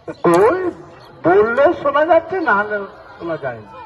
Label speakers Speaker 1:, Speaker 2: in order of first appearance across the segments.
Speaker 1: কই বললেও শোনা যাচ্ছে, না হলে শোনা যায় না।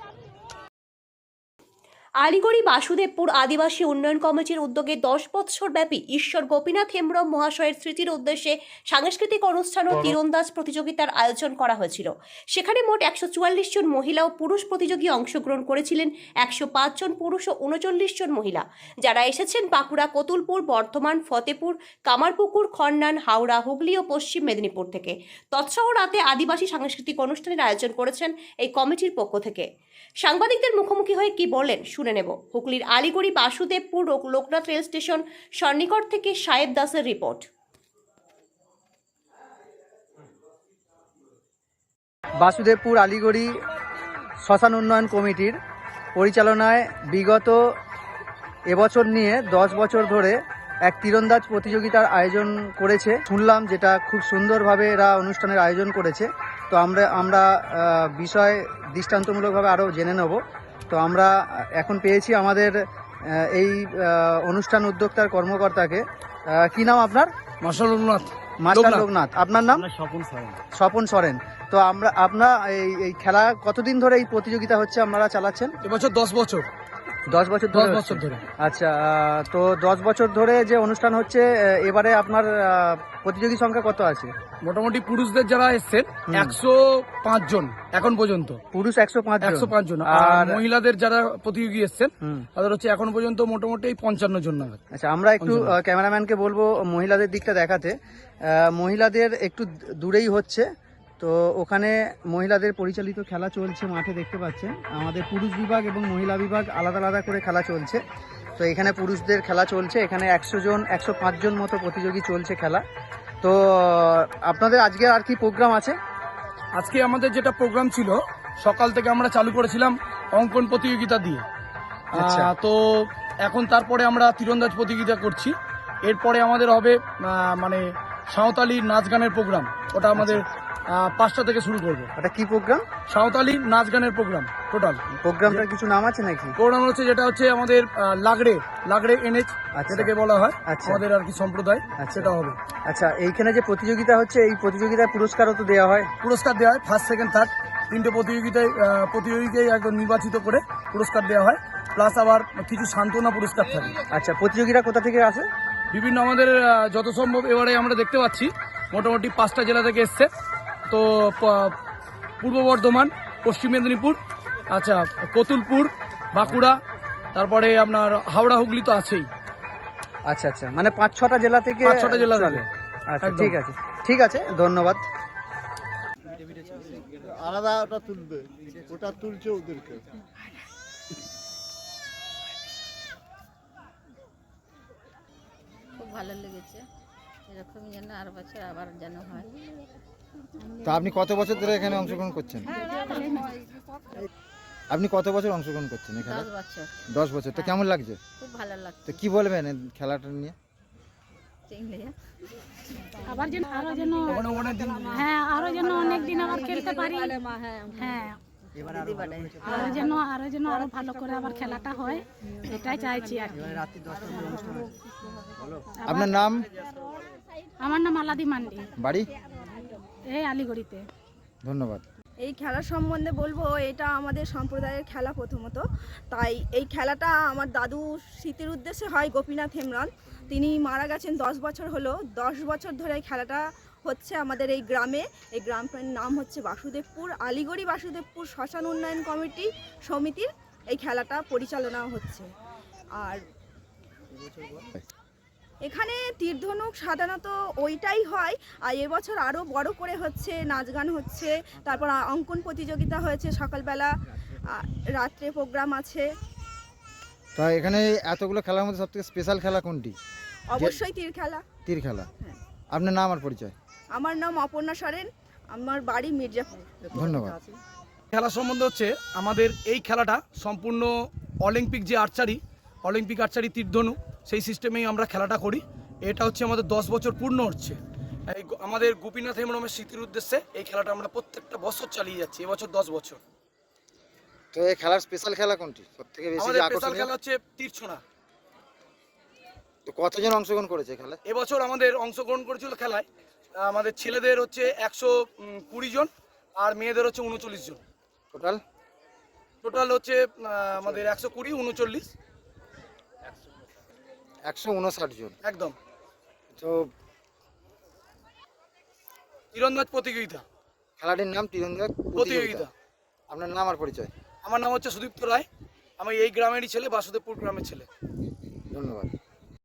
Speaker 2: আলিগড়ি বাসুদেবপুর আদিবাসী উন্নয়ন কমিটির উদ্যোগে 10 বছর ব্যাপী ঈশ্বর গোপীনাথ হেমব্রম মহাশয়ের স্মৃতির উদ্দেশ্যে সাংস্কৃতিক অনুষ্ঠান ও তীরন্দাজ প্রতিযোগিতার আয়োজন করা হয়েছিল। সেখানে মোট 144 জন মহিলা ও পুরুষ প্রতিযোগী অংশগ্রহণ করেছিলেন। 105 জন পুরুষ ও 39 জন মহিলা, যারা এসেছেন বাঁকুড়া, কতুলপুর, বর্ধমান, ফতেপুর, কামারপুকুর, খন্নান, হাওড়া, হুগলি ও পশ্চিম মেদিনীপুর থেকে। তৎসহ রাতে আদিবাসী সাংস্কৃতিক অনুষ্ঠানের আয়োজন করেছেন এই কমিটির পক্ষ থেকে। সাংবাদিকদের মুখোমুখি হয়ে কি বললেন শুনে নেব। হুগলির আলিগড়ি বাসুদেবপুর লোকনাথ রেল স্টেশন সন্নিকট থেকে সাহেব দাসের রিপোর্ট।
Speaker 3: বাসুদেবপুর আলিগড়ি শ্মশান উন্নয়ন কমিটির পরিচালনায় বিগত এবছর নিয়ে 10 বছর ধরে এক তীরন্দাজ প্রতিযোগিতার আয়োজন করেছে। শুনলাম যেটা খুব সুন্দরভাবে এরা অনুষ্ঠানের আয়োজন করেছে। তো আমরা বিষয় দৃষ্টান্তমূলকভাবে আরও জেনে নেব। তো আমরা এখন পেয়েছি আমাদের এই অনুষ্ঠান উদ্যোক্তার কর্মকর্তাকে। কি নাম আপনার?
Speaker 4: মাস্টার লোকনাথ।
Speaker 3: মাস্টার লোকনাথ। আপনার নাম? স্বপন সরেন। তো আপনার এই খেলা কতদিন ধরে এই প্রতিযোগিতা হচ্ছে আপনারা চালাচ্ছেন?
Speaker 4: এবছর 10 বছর।
Speaker 3: 10 বছর ধরে। আচ্ছা, তো 10 বছর ধরে যে অনুষ্ঠান হচ্ছে, এবারে আপনার প্রতিযোগী সংখ্যা কত আছে?
Speaker 4: মোটামুটি পুরুষদের যারা এসছেন 105 জন এখন পর্যন্ত।
Speaker 3: পুরুষ
Speaker 4: 105 জন। আর মহিলাদের যারা প্রতিযোগী এসছেন তাদের হচ্ছে এখন পর্যন্ত মোটামুটি 55 জন নাগাদ।
Speaker 3: আচ্ছা, আমরা একটু ক্যামেরাম্যানকে বলবো মহিলাদের দিকটা দেখাতে। মহিলাদের একটু দূরেই হচ্ছে, তো ওখানে মহিলাদের পরিচালিত খেলা চলছে। মাঠে দেখতে পাচ্ছেন আমাদের পুরুষ বিভাগ এবং মহিলা বিভাগ আলাদা আলাদা করে খেলা চলছে। তো এখানে পুরুষদের খেলা চলছে। এখানে 105 জন মতো প্রতিযোগী চলছে খেলা। তো আপনাদের আজকে আর কি প্রোগ্রাম আছে?
Speaker 4: আজকে আমাদের যেটা প্রোগ্রাম ছিল, সকাল থেকে আমরা চালু করেছিলাম অঙ্কন প্রতিযোগিতা দিয়ে। তো এখন তারপরে আমরা তীরন্দাজ প্রতিযোগিতা করছি। এরপরে আমাদের হবে মানে সাঁওতালি নাচ গানের প্রোগ্রাম। ওটা আমাদের 5টা থেকে শুরু করবো।
Speaker 3: ওটা কি প্রোগ্রাম?
Speaker 4: সাঁওতালি নাচ গানের প্রোগ্রাম। টোটাল
Speaker 3: প্রোগ্রামটার কিছু নাম আছে নাকি?
Speaker 4: প্রোগ্রাম হচ্ছে যেটা হচ্ছে আমাদের লাগড়ে এনএচ যেটাকে বলা হয় আমাদের আর কি সম্প্রদায়, সেটা হবে।
Speaker 3: আচ্ছা, এইখানে যে প্রতিযোগিতা হচ্ছে, এই প্রতিযোগিতায় পুরস্কারও তো দেওয়া হয়?
Speaker 4: পুরস্কার দেওয়া হয়, ফার্স্ট সেকেন্ড থার্ড 3টে প্রতিযোগীকে একদম নির্বাচিত করে পুরস্কার দেওয়া হয়। প্লাস আবার কিছু সান্ত্বনা পুরস্কার থাকে।
Speaker 3: আচ্ছা, প্রতিযোগীরা কোথা থেকে আসে?
Speaker 4: বিভিন্ন আমাদের যত সম্ভব এবারে আমরা দেখতে পাচ্ছি মোটামুটি 5টা জেলা থেকে এসছে। তো পূর্ব বর্ধমান, পশ্চিম মেদিনীপুর, আচ্ছা কতুলপুর, বাঁকুড়া, তারপরে আপনার হাওড়া, হুগলি তো আছেই।
Speaker 3: আচ্ছা আচ্ছা, মানে 5-6টা জেলা থেকে।
Speaker 4: 5-6টা জেলা থেকে।
Speaker 3: আচ্ছা, ঠিক আছে, ধন্যবাদ।
Speaker 1: আলাদা ওটা তুলবে, ওটা তুলছে ওদেরকে।
Speaker 5: খুব ভালো লেগেছে, এরকম যেন আর বছর আবার যেন হয়।
Speaker 6: তা আপনি কত বছর ধরে এখানে অংশগ্রহণ করছেন? আপনি কত বছর অংশগ্রহণ করছেন এখানে?
Speaker 5: 10 বছর।
Speaker 6: 10 বছর। তো কেমন লাগছে?
Speaker 5: খুব ভালো লাগছে।
Speaker 6: তো কি বলবেন এই খেলাটা নিয়ে?
Speaker 7: আবার যেন আরো যেন আরো যেন অনেক দিন আবার খেলতে পারি। হ্যাঁ, আরো যেন আরো ভালো করে আবার খেলাটা হয়, এটাই চাইছি আর কি।
Speaker 6: আপনার নাম?
Speaker 7: আমার নাম আলাদি মান্ডি,
Speaker 6: বাড়ি?
Speaker 7: এই আলিগড়িতে।
Speaker 6: ধন্যবাদ।
Speaker 8: এই খেলা সম্বন্ধে বলবো, এটা আমাদের সম্প্রদায়ের খেলা প্রথমত। তাই এই খেলাটা আমার দাদু স্মৃতির উদ্দেশ্যে হয়। গোপীনাথ হেমব্রম, তিনি মারা গেছেন 10 বছর হলো। 10 বছর ধরে এই খেলাটা হচ্ছে আমাদের এই গ্রামে। এই গ্রামটার নাম হচ্ছে বাসুদেবপুর। আলিগড়ি বাসুদেবপুর শ্মশান উন্নয়ন কমিটি সমিতির এই খেলাটা পরিচালনা হচ্ছে। আর এখানে তীরধনুক সাধারণত ওইটাই হয়, আর এবছর আরও বড় করে হচ্ছে, নাচ গান হচ্ছে, তারপর অঙ্কন প্রতিযোগিতা হয়েছে সকালবেলা, রাত্রে প্রোগ্রাম আছে।
Speaker 6: তো এখানে এতগুলো খেলার মধ্যে সবথেকে স্পেশাল খেলা কোনটি?
Speaker 8: অবশ্যই তীর খেলা।
Speaker 6: তীর খেলা। আপনার নাম আর পরিচয়?
Speaker 8: আমার নাম অপর্ণা সরেন, আমার বাড়ি মির্জাপুর।
Speaker 6: ধন্যবাদ।
Speaker 4: খেলা সম্বন্ধে হচ্ছে আমাদের এই খেলাটা সম্পূর্ণ অলিম্পিক যে অলিম্পিক আর্চারি তীরধনু, সেই সিস্টেমেই আমরা খেলাটা করি। এটা হচ্ছে আমাদের 10 বছর পূর্ণ হচ্ছে। এই আমাদের গোপীনাথ হেমব্রমের স্মৃতির উদ্দেশ্যে এই খেলাটা আমরা প্রত্যেকটা বছর চালিয়ে যাচ্ছি, এবছর 10 বছর।
Speaker 6: তো এই খেলার স্পেশাল খেলা কোনটি সবথেকে বেশি
Speaker 4: আমাদের স্পেশাল
Speaker 6: আকর্ষণীয়?
Speaker 4: খেলা হচ্ছে তীর ছোঁড়া।
Speaker 6: তো কতজন অংশগ্রহণ করেছে খেলায়?
Speaker 4: এবছর আমাদের অংশগ্রহণ করেছিল খেলায় আমাদের ছেলেদের হচ্ছে 120 জন আর মেয়েদের হচ্ছে 39 জন।
Speaker 6: টোটাল
Speaker 4: টোটাল হচ্ছে আমাদের 120, 39
Speaker 6: 159 জন।
Speaker 4: একদম।
Speaker 6: তো
Speaker 4: তীরন্দাজ প্রতিযোগিতা,
Speaker 6: খেলাটির নাম তীরন্দাজ
Speaker 4: প্রতিযোগিতা।
Speaker 6: আপনার নাম আর পরিচয়?
Speaker 4: আমার নাম হচ্ছে সুদীপ্ত রায়, আমি এই গ্রামেরই ছেলে, বাসুদেবপুর গ্রামের ছেলে।
Speaker 6: ধন্যবাদ।